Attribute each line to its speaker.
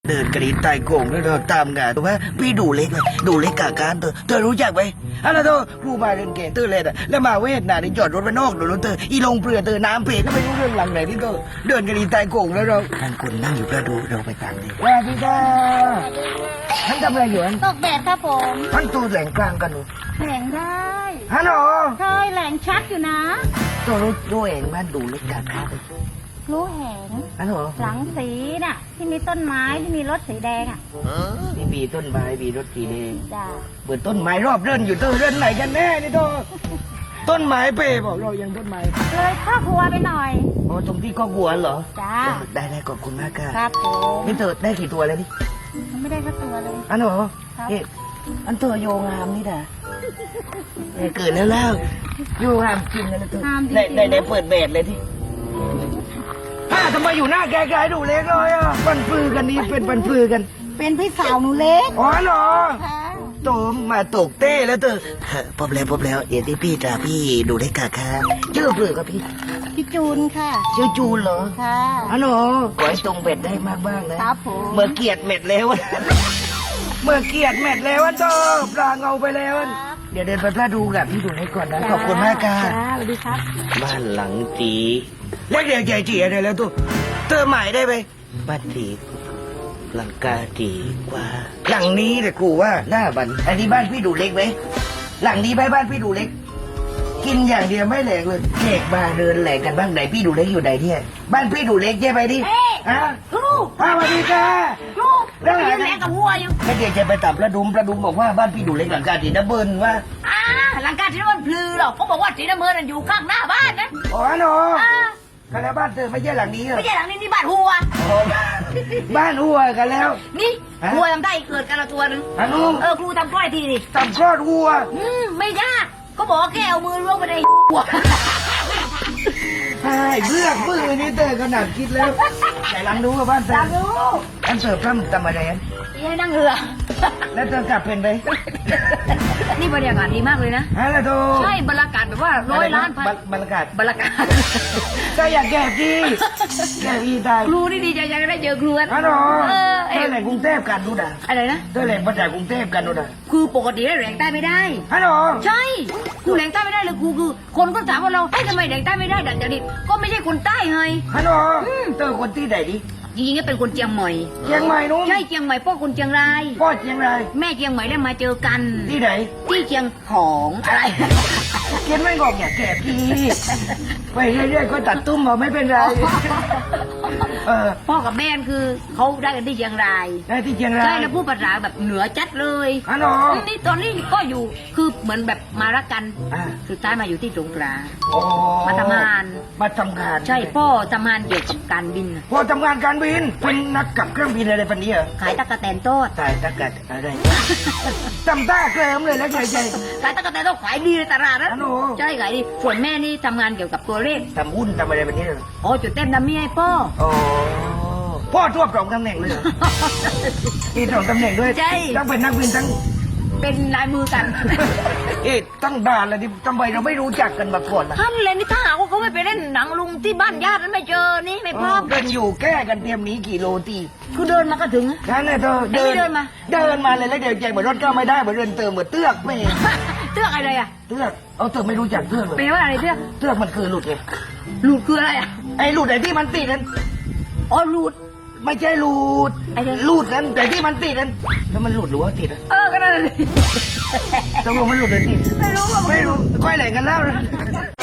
Speaker 1: เดินกระดิ่งใต้โก่งแล้วเราตามงานถูกไหมพี่ดูเล็กเลยดูเล็กกาการเธอรู้จักไหมอะไรเธอครูมาเรียนเก่งเธอเลยนะแล้วมาเวทนานี่จอดรถไปนอกเดี๋ยวรถเธออีลงเปลือยเธอน้ำเพก็ไม่รู้เรื่องหลังไหนที่เธอเดินกระดิ่งใต้โก่งแล้วเราท่านคนนั่งอยู่ก็ดูเราไปตามดีสวัสดีค่ะท่านทำอะไรอยู่
Speaker 2: ตกแดดครับผม
Speaker 1: ท่านตัวแหลงกลางกันหนู
Speaker 2: แหลงได้
Speaker 1: ฮัลโหล
Speaker 2: เคยแหลงชัดอยู่นะ
Speaker 1: ตัวรู้เองบ้านดูเล็กกาการ
Speaker 2: รู้แหง
Speaker 1: ฮัลโหล
Speaker 2: หลังสีน่ะ ที่มีต้นไม้ที่มีรถสีแดงอ่ะ
Speaker 1: นี่มีต้นไม้มีรถสีแดง
Speaker 2: จ้า
Speaker 1: เปิดต้นไม้รอบเรื่นอยู่เธอเรื่นไหนกันแน่นี่เธอต้นไม้เป้บอกเรายังต้นไม้
Speaker 2: เลยเข้าครัวไปหน่อย
Speaker 1: อ๋อตรงที่ก็วัวเหรอ
Speaker 2: จ้า
Speaker 1: ได้ขอบคุณมากค่ะ
Speaker 2: ครับผม
Speaker 1: นี่เธอได้กี่ตัวแล้วนี่
Speaker 2: มันไม่ได้สักตัวเลย
Speaker 1: อันเหรอ
Speaker 2: ครับ
Speaker 1: เอ๊ะอันตัวโยงามนี่นะเกิดแล้วโยงามจริงนะเธอได้เปิดแบบเลยที่ทำไมอยู่หน้าแกๆดูเล็กเลยอ่ะปันปือกันนี้เป็นปันปือกัน
Speaker 2: เป็นพี่สาวหนูเล็ก
Speaker 1: อ๋อเหรอ
Speaker 2: ค่ะ
Speaker 1: โตมาตกเต้แล้วเธอพบแล้วเดี๋ยวที่พี่จะพี่ดูเล็กกะค่ะชื่อเปลือกกับพี่
Speaker 2: พี่จูนค่ะ
Speaker 1: ชื่อจูนเหรอ
Speaker 2: ค่ะ
Speaker 1: ฮัลโหลขอให้ตรงเบ็ดได้มากบ้างนะครับ
Speaker 2: ผม
Speaker 1: เมื่อเกียดเม็ดแล้วอะเมื่อเกียดเม็ดแล้วอะเธอปลาเงาไปแล้วอะเดี๋ยวเดินไปพระดูกับพี่ดูให้ก่อนนะขอบคุณมากค่ะ
Speaker 2: จ้าสวัสดีครับ
Speaker 1: บ้านหลังจีเล็กเดียวใจจีอะไรแล้วตัวเธอใหม่ได้ไหมบ้านจีหลังกาจีกว่า หลังนี้แต่กูว่าหน้าบันอันนี้บ้านพี่ดูเล็กไหมหลังนี้ไหมบ้านพี่ดูเล็ก กินอย่างเดียวไม่แหลกเลยเด็กมาเดินแหลกกันบ้างไหนพี่ดูเล็กอยู่ไหนเนี่ยบ้านพี่ดูเล็กใช่ไหมดิ
Speaker 2: เอ๊ะ
Speaker 1: ฮะ
Speaker 2: ลูก
Speaker 1: สวัสดีค่ะ
Speaker 2: ลูก
Speaker 1: แล้ว
Speaker 2: ยื
Speaker 1: ไง
Speaker 2: นแหลงกับวัวอยู่
Speaker 1: แล้วเดี๋ยวจะไปตับประดุมบอกว่าบ้านพี่ดูเล็กหลังกาจีนะเบิ้ลว่า
Speaker 2: หลังการที่มันพลือหรอกเขาบอกว่าสีน้ำเงินอยู่ข้างหน้าบ้านนะ
Speaker 1: อ๋อหนู
Speaker 2: อ่า
Speaker 1: กันแล้วบ้านเธอไม่ใช่หลังนี้เหรอ
Speaker 2: ไม่ใช่หลังนี้นี่บ้านหัว
Speaker 1: อ๋อบ้านหัวกันแล้ว
Speaker 2: นี่
Speaker 1: ฮะ
Speaker 2: หัวทำได้เกิดกันละตัวหนึง
Speaker 1: ฮัลโหล
Speaker 2: ครูทำกล้อยทีดิ
Speaker 1: ทำคลอดวัว
Speaker 2: ไม่ยากก็บอกว่าแค่เอามือล้วงไปในหัว
Speaker 1: ใช่เลือกมือนี่เธอขนาดคิดแล้วแต่หลังดูว่าบ้านเธอ
Speaker 2: ตามรู้
Speaker 1: อันเสิร์ฟทำอะไรอัน
Speaker 2: ยังให้นั่งเรือ
Speaker 1: แล้วเธอกลับเป็นไป
Speaker 2: นี่บรรยากาศดีมากเลยนะ
Speaker 1: ฮะแล้วโธ่
Speaker 2: ใช่บรรยากาศแบบว่า100 ล้าน
Speaker 1: บรรยากาศ
Speaker 2: บรรยากาศ
Speaker 1: ก็อยากแก่กี้แก่อีตาย
Speaker 2: ครูนี่ดีใจยังได้เจอครูอะ
Speaker 1: ฮัลโหล
Speaker 2: เออ
Speaker 1: เธอแหล่งกรุงเทพกันดูด่ะ
Speaker 2: อะไรนะ
Speaker 1: เธอแหล่งมาจากกรุงเทพกันดูด่ะ
Speaker 2: คือปกติแล้วแหลงใต้ไม่ได้
Speaker 1: ฮัลโหล
Speaker 2: ใช่ครูแหลงใต้ไม่ได้เลยครูคือ คนก็ถามว่าเราทำไมแหลงใต้ไม่ได้ดัดจริตก็ไม่ใช่คนใต้ไง
Speaker 1: ฮัลโหลเธอคนที่ไหนดิ
Speaker 2: จริงๆก็เป็นคนเชียงใหม่
Speaker 1: เชียงใหม่นู้น
Speaker 2: ใช่เชียงใหม่พ่อคนเชียงราย
Speaker 1: พ่อเชียงราย
Speaker 2: แม่เชียงใหม่แล้วมาเจอกัน
Speaker 1: ที่ไหน
Speaker 2: ที่เชียงของอะไร
Speaker 1: เขียนไม่งอกอย่าแก่พี่ไปเรื่อยๆก็ตัดตุ้มเอาไม่เป็นไรเออ
Speaker 2: พ่อกับแม่คือเขาได้กันที่เชียงราย
Speaker 1: ได้ที่เชียงราย
Speaker 2: ใช่แล้วพูดภาษาแบบเหนือจัดเลย
Speaker 1: ฮัลโหล
Speaker 2: นี่ตอนนี้ก็อยู่คือเหมือนแบบมารักกัน
Speaker 1: อ่า
Speaker 2: สุดท้ายมาอยู่ที่สงขลา
Speaker 1: โอ้
Speaker 2: มาทำงาน
Speaker 1: มาทำงาน
Speaker 2: ใช่พ่อทำงานเกี่ยวกับการบิน
Speaker 1: พ่อทำงานการบินเป็นนักกับเครื่องบินอะไรปันนี้เหรอ
Speaker 2: ขายตะกะแตนโทษ
Speaker 1: ตายตะกัดอะไรจำต้าเกลิมเลยแล้วใจ
Speaker 2: ขายตะกะแตนโทษขายดีในตลาดนะ
Speaker 1: ฮัลโหล
Speaker 2: ใช่ขายดีส่วนแม่นี่ทำงานเกี่ยวกับตัวเลข
Speaker 1: ทำหุ้นทำอะไรปันนี้เหรอ
Speaker 2: โอ้จุดเต้นดัมมี่ให้พ่อ
Speaker 1: โอ้พ่อทวบสองตำแหน่งเลยเหรอมีสองตำแหน่งด้วย
Speaker 2: ใช่
Speaker 1: ต้องเป็นนักบินทั้ง
Speaker 2: เป็นลายมือกัน
Speaker 1: เอ๊ะตั้งด่านเลยที่ทำไมเราไม่รู้จักกันมาก่อนล่ะ
Speaker 2: ท่านเลยนี่ถ้าหากว่าเขาไม่ไปเล่นหนังลุงที่บ้านญาตินั้นไม่เจอนี่ไม่พร้อม
Speaker 1: เดินอยู่แก้กันเตรียมหนีกี่โลตี
Speaker 2: คือเดินมาก็ถึง
Speaker 1: นั่นแหละเธอ
Speaker 2: เดินมา
Speaker 1: เดินมาเลยแล้วเดี๋ยวใจเหมือนรถก็ไม่ได้เหมือนเดินเติมเหมือนเตือกไม่
Speaker 2: เตื้อกอะไรอ่ะ
Speaker 1: เตือกเอาเธอไม่รู้จักเตือกเล
Speaker 2: แปล
Speaker 1: ย
Speaker 2: ว่าอะไรเตื้อก
Speaker 1: เตือกมันคือหลุดไง
Speaker 2: หลุดคืออะไรอ่ะ
Speaker 1: ไอ้หลุดไอ้ที่มันติดนั้น
Speaker 2: อ๋อหลุด
Speaker 1: ไม่ใช่หลุด
Speaker 2: ไอ้เนี่ย
Speaker 1: หลุดนั้นแต่ที่มันติดนั้นแล้วมันหลุดหรือว่าติดอะ
Speaker 2: ก็นั่นเลย
Speaker 1: ตกลงมันหลุดหรือติด
Speaker 2: ไม่รู้ว่า
Speaker 1: ไม่รู้ค่อยแหล่งกันแล้วนะ